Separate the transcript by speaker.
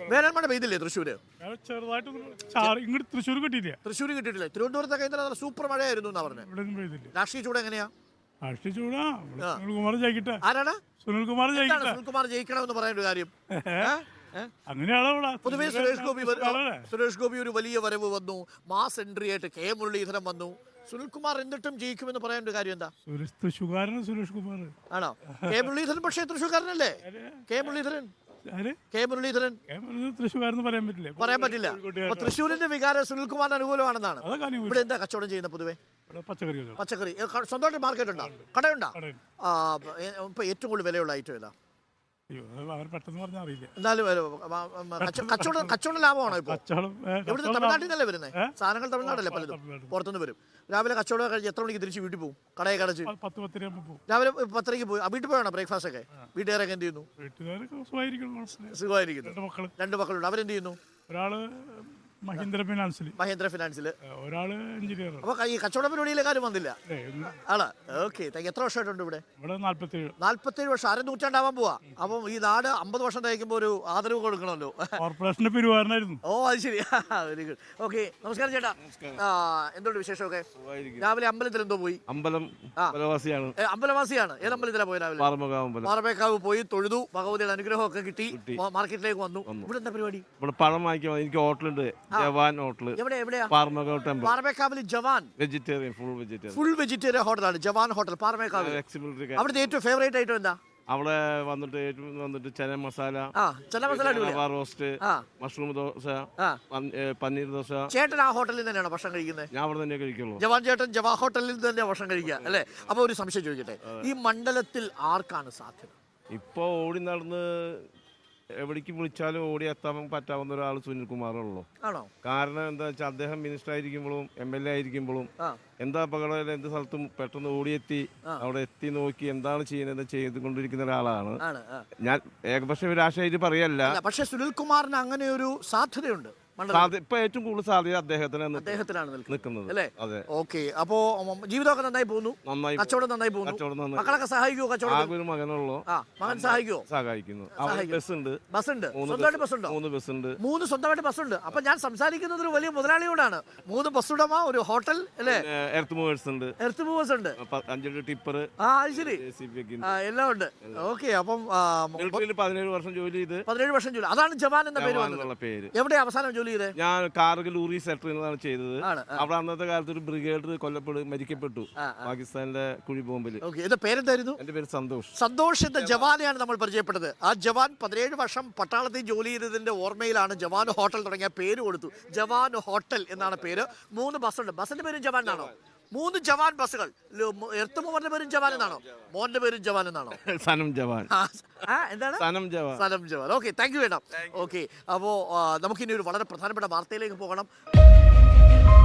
Speaker 1: വേനൽമഴ പെയ്തില്ലേ തൃശ്ശൂര്?
Speaker 2: ചെറുതായിട്ട് ഇങ്ങോട്ട് തൃശ്ശൂർ കിട്ടിയില്ല.
Speaker 1: തൃശ്ശൂർ കിട്ടിയിട്ടില്ല. തിരുവനന്തപുരത്തൊക്കെ ഇന്നലെ സൂപ്പർ മഴയായിരുന്നു എന്നാ പറഞ്ഞത്.
Speaker 2: ഇവിടെയൊന്നും പെയ്തില്ല.
Speaker 1: രാഷ്ട്രീയ ചൂട് എങ്ങനെയാ?
Speaker 2: രാഷ്ട്രീയ ചൂടാ. സുനിൽകുമാർ ജയിക്കട്ടെ.
Speaker 1: ആരാണ്?
Speaker 2: സുനിൽകുമാർ ജയിക്കട്ടെ.
Speaker 1: സുനിൽകുമാർ ജയിക്കണമെന്ന് പറയുന്ന ഒരു കാര്യം
Speaker 2: അങ്ങനെയാണോ?
Speaker 1: പൊതുവെ സുരേഷ് ഗോപി ഒരു വലിയ വരവ് വന്നു, മാസ് എൻട്രി ആയിട്ട് കെ മുരളീധരൻ വന്നു. സുനിൽകുമാർ എന്നിട്ടും ജയിക്കുമെന്ന് പറയേണ്ട ഒരു കാര്യം എന്താ?
Speaker 2: തൃശ്ശൂർകാരൻ സുരേഷ് കുമാർ
Speaker 1: ആണോ? കെ മുരളീധരൻ പക്ഷേ തൃശ്ശൂർക്കാരനല്ലേ? കെ മുരളീധരൻ
Speaker 2: തൃശ്ശൂർകാരെന്ന് പറയാൻ പറ്റില്ല.
Speaker 1: പറയാൻ പറ്റില്ല. അപ്പൊ തൃശ്ശൂരിന്റെ വികാരം സുനിൽകുമാറിന് അനുകൂലമാണെന്നാണ്. ഇവിടെ എന്താ കച്ചവടം ചെയ്യുന്ന പൊതുവെ? പച്ചക്കറി. സ്വന്തമായിട്ട് മാർക്കറ്റ് ഉണ്ടോ? കടയുണ്ടോ? ഇപ്പൊ ഏറ്റവും കൂടുതൽ വിലയുള്ള ഐറ്റം ഏതാ? എന്നാലും കച്ചവടം ലാഭമാണോ ഇപ്പൊ? ഇവിടുത്തെ തമിഴ്നാട്ടിൽ നിന്നല്ലേ വരുന്നത് സാധനങ്ങൾ? തമിഴ്നാടല്ലേ പലതും പുറത്തുനിന്ന് വരും. രാവിലെ കച്ചവടം കഴിഞ്ഞ് എത്ര മണിക്ക് തിരിച്ച് വീട്ടിൽ പോകും? കടയെ കടച്ച് രാവിലെ 10:30 പോയി. വീട്ടിൽ പോയാണോ ബ്രേക്ക്ഫാസ്റ്റ് ഒക്കെ? വീട്ടുകാരൊക്കെ എന്ത് ചെയ്യുന്നു? സുഖമായിരിക്കുന്നു. 2 മക്കളുണ്ട്. അവരെന്ത് ചെയ്യുന്നു?
Speaker 2: ഒരാള് മഹീന്ദ്ര ഫിനാൻസിൽ, ഒരാള് എഞ്ചിനീയർ.
Speaker 1: അപ്പൊ ഈ കച്ചവട പരിപാടിയിലെ കാര്യം വന്നില്ല ആണ്. ഓക്കെ, എത്ര വർഷമായിട്ടുണ്ട് ഇവിടെ? 47 വർഷം. 1/2 നൂറ്റാണ്ടാവാൻ പോവാ. അപ്പം ഈ നാട് 50 വർഷം തയ്ക്കുമ്പോ ഒരു ആദരവ് കൊടുക്കണമല്ലോ.
Speaker 2: കോർപ്പറേഷന്റെ പെരുമാറാനായിരുന്നു.
Speaker 1: ഓ അത് ശരി. Very good. ഓക്കെ, നമസ്കാരം ചേട്ടാ. എന്തുകൊണ്ട് വിശേഷമൊക്കെ? രാവിലെ അമ്പലത്തിൽ എന്തോ പോയി? അമ്പലവാസിയാണ്. ഏത് അമ്പലത്തിലാ പോയി? രാവിലെ പാറമേക്കാവ് പോയി തൊഴുതു, ഭഗവതിയുടെ അനുഗ്രഹം ഒക്കെ കിട്ടി, മാർക്കറ്റിലേക്ക് വന്നു. ഇവിടെ എന്താ പരിപാടി?
Speaker 3: പഴം വാങ്ങിക്കാൻ എനിക്ക് ഹോട്ടലുണ്ട്, ജവാൻ ഹോട്ടൽ.
Speaker 1: എവിടെയാ?
Speaker 3: Paramekkavu
Speaker 1: Jawan
Speaker 3: vegetarian,
Speaker 1: full vegetarian ഹോട്ടലാണ് ജവാൻ ഹോട്ടൽ പാറമേക്കാവ്. അവിടുത്തെ ഏറ്റവും ഫേവറേറ്റ് ഐറ്റം എന്താ?
Speaker 3: അവിടെ വന്നിട്ട് ചന മസാല, റോസ്റ്റ്, മഷ്റൂം ദോശ, പനീർ ദോശ.
Speaker 1: ചേട്ടൻ ആ ഹോട്ടലിൽ തന്നെയാണോ ഭക്ഷണം കഴിക്കുന്നത്?
Speaker 3: ഞാൻ അവിടെ തന്നെ കഴിക്കുള്ളൂ.
Speaker 1: ജവാൻ ചേട്ടൻ ജവാൻ ഹോട്ടലിൽ തന്നെയാണ് ഭക്ഷണം കഴിക്കുക അല്ലേ? അപ്പൊ ഒരു സംശയം ചോദിക്കട്ടെ, ഈ മണ്ഡലത്തിൽ ആർക്കാണ് സാധ്യത?
Speaker 3: ഇപ്പൊ ഓടി നടന്ന് എവിടേക്ക് വിളിച്ചാലും ഓടി എത്താൻ പറ്റാവുന്ന ഒരാൾ സുനിൽകുമാറുള്ളൂ. കാരണം എന്താ വെച്ചാൽ അദ്ദേഹം മിനിസ്റ്റർ ആയിരിക്കുമ്പോഴും MLA ആയിരിക്കുമ്പോഴും എന്താ അപകടം എന്ത് സ്ഥലത്തും പെട്ടെന്ന് ഓടിയെത്തി അവിടെ എത്തി നോക്കി എന്താണ് ചെയ്യുന്നത് ചെയ്തുകൊണ്ടിരിക്കുന്ന ഒരാളാണ്. ഞാൻ ഏകപക്ഷ രാഷ്ട്രീയമായിട്ട് പറയല്ല,
Speaker 1: പക്ഷെ സുനിൽകുമാറിന് അങ്ങനെ ഒരു സാധ്യതയുണ്ട്.
Speaker 3: ഇപ്പൊ ഏറ്റവും കൂടുതൽ സാധ്യത
Speaker 1: അദ്ദേഹത്തിനാണ് നിൽക്കുന്നത്
Speaker 3: അല്ലേ?
Speaker 1: ഓക്കെ. അപ്പോ ജീവിതമൊക്കെ നന്നായി പോകുന്നു, കച്ചവടം നന്നായി പോകുന്നു. മക്കളൊക്കെ സഹായിക്കുമോ? കച്ചവടം
Speaker 3: ഒരു മകനുള്ളൂ.
Speaker 1: മകൻ സഹായിക്കുമോ?
Speaker 3: സഹായിക്കുന്നു. ബസ്സുണ്ട്.
Speaker 1: സ്വന്തമായിട്ട് ബസ്സുണ്ടോ?
Speaker 3: 3 ബസ്സുണ്ട്.
Speaker 1: 3 സ്വന്തമായിട്ട് ബസ്സുണ്ട്. അപ്പൊ ഞാൻ സംസാരിക്കുന്നത് ഒരു വലിയ മുതലാളിയോടാണ്. 3 ബസ് ഉടമ, ഒരു ഹോട്ടൽ അല്ലേ?
Speaker 3: എർത്ത് മൂവേഴ്സ് ഉണ്ട്. 5 ടിപ്പർ.
Speaker 1: അത് ശരി, എല്ലാം ഉണ്ട്. ഓക്കെ. അപ്പം
Speaker 3: 17 വർഷം ജോലി ചെയ്ത്.
Speaker 1: 17 വർഷം ജോലി. അതാണ് ജവാൻ എന്ന പേര്. എവിടെ അവസാനം ജോലി?
Speaker 3: ഞാൻ കാർഗിൽ ഊറി സെക്ടറിലാണ് ചെയ്തത്. അവിടെ അന്നത്തെ കാലത്ത് ഒരു ബ്രിഗേഡർ മരിക്കപ്പെട്ടു പാകിസ്ഥാനിലെ കുഴി ബോംബിൽ.
Speaker 1: പേരെന്തായിരുന്നു?
Speaker 3: എന്റെ പേര് സന്തോഷ്.
Speaker 1: സന്തോഷ് എന്ന ജവാനെയാണ് നമ്മൾ പരിചയപ്പെട്ടത്. ആ ജവാൻ 17 വർഷം പട്ടാളത്തിൽ ജോലി ചെയ്തതിന്റെ ഓർമ്മയിലാണ് ജവാൻ ഹോട്ടൽ തുടങ്ങിയ പേര് കൊടുത്തു. ജവാൻ ഹോട്ടൽ എന്നാണ് പേര്. 3 ബസ്സുണ്ട്. ബസ്സിന്റെ പേരും ജവാൻ എന്നാണോ? 3 ജവാൻ ബസ്സുകൾ. എർത്ത് മൂവറിന്റെ പേരും ജവാൻ എന്നാണോ? മോന്റെ പേരും ജവാൻ എന്നാണോ?
Speaker 3: സനം ജവാൻ.
Speaker 1: എന്താണ്?
Speaker 3: Sanam
Speaker 1: Jawan. Okay, thank you madam. Okay, അപ്പോ നമുക്കിനി ഒരു വളരെ പ്രധാനപ്പെട്ട വാർത്തയിലേക്ക് പോകണം.